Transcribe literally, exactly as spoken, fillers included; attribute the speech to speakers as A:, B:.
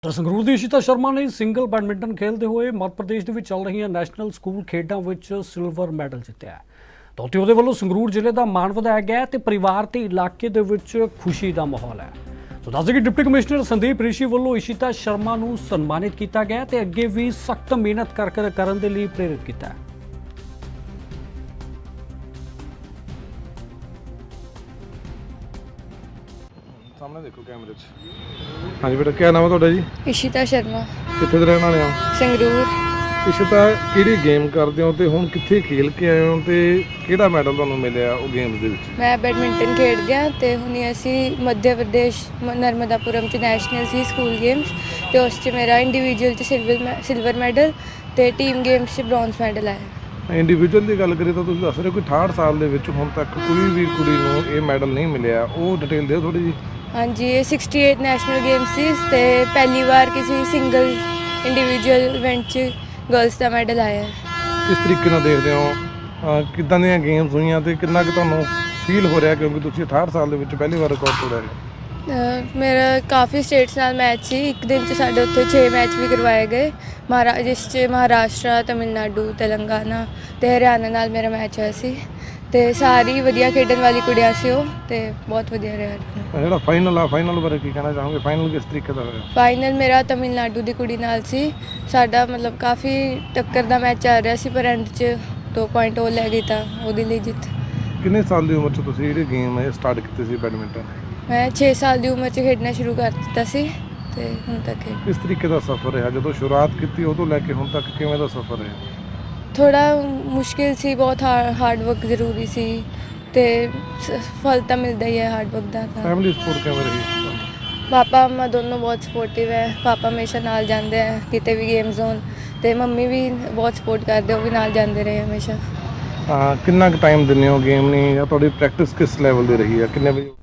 A: ਤਾਂ ਸੰਗਰੂਰ ਦੀ ਇਸ਼ਿਤਾ ਸ਼ਰਮਾ ਨੇ single badminton ਖੇਡਦੇ ਹੋਏ ਮੱਧ ਪ੍ਰਦੇਸ਼ ਦੇ ਵਿੱਚ ਚੱਲ ਰਹੀਆਂ ਨੈਸ਼ਨਲ ਸਕੂਲ ਖੇਡਾਂ ਵਿੱਚ ਸਿਲਵਰ ਮੈਡਲ ਜਿੱਤਿਆ ਹੈ। ਤਾਂ ਉੱਥੇ ਉਹਦੇ ਵੱਲੋਂ ਸੰਗਰੂਰ ਜ਼ਿਲ੍ਹੇ ਦਾ ਮਾਣ ਵਧਾਇਆ ਗਿਆ ਤੇ ਪਰਿਵਾਰ ਤੇ ਇਲਾਕੇ ਦੇ ਵਿੱਚ ਖੁਸ਼ੀ ਦਾ ਮਾਹੌਲ ਹੈ। ਤਾਂ ਦੱਸਦੇ ਕਿ ਡਿਪਟੀ ਕਮਿਸ਼ਨਰ ਸੰਦੀਪ ਰਿਸ਼ੀ ਵੱਲੋਂ ਇਸ਼ਿਤਾ ਸ਼ਰਮਾ ਨੂੰ ਸਨਮਾਨਿਤ ਕੀਤਾ ਗਿਆ ਤੇ ਅੱਗੇ ਵੀ ਸਖਤ ਮਿਹਨਤ ਕਰ ਕਰ ਕਰਨ ਦੇ ਲਈ ਪ੍ਰੇਰਿਤ ਕੀਤਾ ਹੈ।
B: सामने देखो कैमरे च। हाँ जी बेटा, क्या नाम है ਤੁਹਾਡਾ ਜੀ?
C: इशिता शर्मा,
B: ਕਿੱਥੇ ਦੇ ਰਹਿਣ ਵਾਲੇ ਹੋ?
C: संगरूर।
B: ਇਸ਼ਿਤਾ, ਕਿਹੜੀ ਗੇਮ ਕਰਦੇ ਹੋ ਤੇ ਹੁਣ ਕਿੱਥੇ ਖੇਲ ਕੇ ਆਏ ਹੋ ਤੇ ਕਿਹੜਾ ਮੈਡਲ ਤੁਹਾਨੂੰ ਮਿਲਿਆ ਉਹ ਗੇਮਸ ਦੇ ਵਿੱਚ?
C: मैं बैडमिंटन खेडदी ਹਾਂ ਤੇ ਹੁਣੀ ਅਸੀਂ ਮੱਧ ਪ੍ਰਦੇਸ਼ ਨਰਮਦਾਪੁਰਮ ਚ ਨੈਸ਼ਨਲ ਸੀ ਸਕੂਲ ਗੇਮਸ ਤੇ ਉਸ ਚ ਮੇਰਾ ਇੰਡੀਵਿਜੂਅਲ ਚ ਸਿਲਵਰ ਸਿਲਵਰ ਮੈਡਲ ਤੇ ਟੀਮ ਗੇਮਸ ਚ ਬ੍ਰੌਂਜ਼ ਮੈਡਲ ਆਇਆ।
B: ਇੰਡੀਵਿਜੂਅਲ ਦੀ ਗੱਲ ਕਰੀਏ ਤਾਂ ਤੁਸੀਂ ਦੱਸ ਰਹੇ ਹੋ ਕਿ ਅਠਾਹਠ ਸਾਲ ਦੇ ਵਿੱਚ ਹੁਣ ਤੱਕ ਕੋਈ ਵੀ ਕੁੜੀ ਨੂੰ ਇਹ ਮੈਡਲ ਨਹੀਂ ਮਿਲਿਆ, ਉਹ ਡਿਟੇਲ ਦਿਓ ਥੋੜੀ ਜੀ।
C: हाँ जी, ये सिक्सटी एट नैशनल गेम्स सी ते पहली बार किसी सिंगल इंडिविजुअल इवेंट च गर्ल्स का मैडल आया है।
B: ਕਿਸ ਤਰੀਕੇ ਨਾਲ ਦੇਖਦੇ ਹੋ ਅਹ ਕਿੱਦਾਂ ਦੀਆਂ ਗੇਮਸ ਹੋਈਆਂ ਤੇ ਕਿੰਨਾ ਕੁ ਤੁਹਾਨੂੰ ਫੀਲ ਹੋ ਰਿਹਾ ਕਿਉਂਕਿ ਤੁਸੀਂ ਅਠਾਹਠ ਸਾਲ ਦੇ ਵਿੱਚ ਪਹਿਲੀ ਵਾਰ ਰਿਕਾਰਡ ਤੋੜਿਆ ਹੈ?
C: ਅਹ ਮੇਰਾ ਕਾਫੀ ਸਟੇਟਸ ਨਾਲ ਮੈਚ ਸੀ। ਇੱਕ ਦਿਨ 'ਚ ਸਾਡੇ ਉੱਥੇ ਛੇ ਮੈਚ ਵੀ ਕਰਵਾਏ ਗਏ, ਮਹਾਰਾ ਜਿਸ 'ਚ ਮਹਾਰਾਸ਼ਟਰ, ਤਮਿਲਨਾਡੂ, ਤੇਲੰਗਾਨਾ ਤੇ ਹਰਿਆਣਾ ਨਾਲ ਮੇਰਾ ਮੈਚ ਹੋਇਆ ਸੀ ਤੇ ਸਾਰੀ ਵਧੀਆ ਖੇਡਣ ਵਾਲੀ ਕੁੜੀਆਂ ਸੀ ਉਹ ਤੇ ਬਹੁਤ ਵਧੀਆ ਰਿਹਾ।
B: ਜਿਹੜਾ ਫਾਈਨਲ ਆ, ਫਾਈਨਲ ਬਾਰੇ ਕੀ ਕਹਿਣਾ ਚਾਹੋਗੇ? ਫਾਈਨਲ ਕਿਸ ਤਰੀਕੇ ਦਾ ਹੋਇਆ?
C: ਫਾਈਨਲ ਮੇਰਾ ਤਮਿਲਨਾਡੂ ਦੀ ਕੁੜੀ ਨਾਲ ਸੀ। ਸਾਡਾ ਮਤਲਬ ਕਾਫੀ ਟੱਕਰ ਦਾ ਮੈਚ ਚੱਲ ਰਿਹਾ ਸੀ ਪਰ ਐਂਡ 'ਚ ਦੋ ਪੁਆਇੰਟ ਉਹ ਲੈ ਗਈ ਤਾਂ ਉਹਦੇ ਲਈ ਜਿੱਤ।
B: ਕਿੰਨੇ ਸਾਲ ਦੀ ਉਮਰ 'ਚ ਤੁਸੀਂ ਜਿਹੜੀ ਗੇਮ ਹੈ ਸਟਾਰਟ ਕੀਤੀ ਸੀ ਬੈਡਮਿੰਟਨ?
C: ਮੈਂ ਛੇ ਸਾਲ ਦੀ ਉਮਰ 'ਚ ਖੇਡਣਾ ਸ਼ੁਰੂ ਕਰ ਦਿੱਤਾ ਸੀ ਤੇ ਹੁਣ ਤੱਕ ਖੇਡ।
B: ਕਿਸ ਤਰੀਕੇ ਦਾ ਸਫ਼ਰ ਰਿਹਾ ਜਦੋਂ ਸ਼ੁਰੂਆਤ ਕੀਤੀ ਉਦੋਂ ਲੈ ਕੇ ਹੁਣ ਤੱਕ ਕਿਵੇਂ ਦਾ ਸਫ਼ਰ ਰਿਹਾ?
C: ਥੋੜਾ ਮੁਸ਼ਕਿਲ ਸੀ, ਬਹੁਤ ਹਾਰਡ ਵਰਕ ਜ਼ਰੂਰੀ ਸੀ ਤੇ ਸ- ਫਲ ਤਾਂ ਮਿਲਦਾ ਹੀ ਹੈ ਹਾਰਡ ਵਰਕ ਦਾ। ਤਾਂ
B: ਫੈਮਿਲੀ ਸਪੋਰਟ ਕਿਵੇਂ ਰਹੀ?
C: ਪਾਪਾ ਮੰਮਾ ਦੋਨੋਂ ਬਹੁਤ ਸਪੋਰਟਿਵ ਹੈ। ਪਾਪਾ ਹਮੇਸ਼ਾ ਨਾਲ ਜਾਂਦੇ ਹੈ ਕਿਤੇ ਵੀ ਗੇਮ ਜ਼ੋਨ ਤੇ ਮੰਮੀ ਵੀ ਬਹੁਤ ਸਪੋਰਟ ਕਰਦੇ, ਉਹ ਵੀ ਨਾਲ ਜਾਂਦੇ ਰਹੇ ਹਮੇਸ਼ਾ।
B: ਹਾਂ, ਕਿੰਨਾ ਕੁ ਟਾਈਮ ਦਿੰਦੇ ਹੋ ਗੇਮ ਨਹੀਂ ਜਾਂ ਤੁਹਾਡੀ ਪ੍ਰੈਕਟਿਸ ਕਿਸ ਲੈਵਲ ਦੀ ਰਹੀ ਹੈ? ਕਿੰਨੇ ਵਜੇ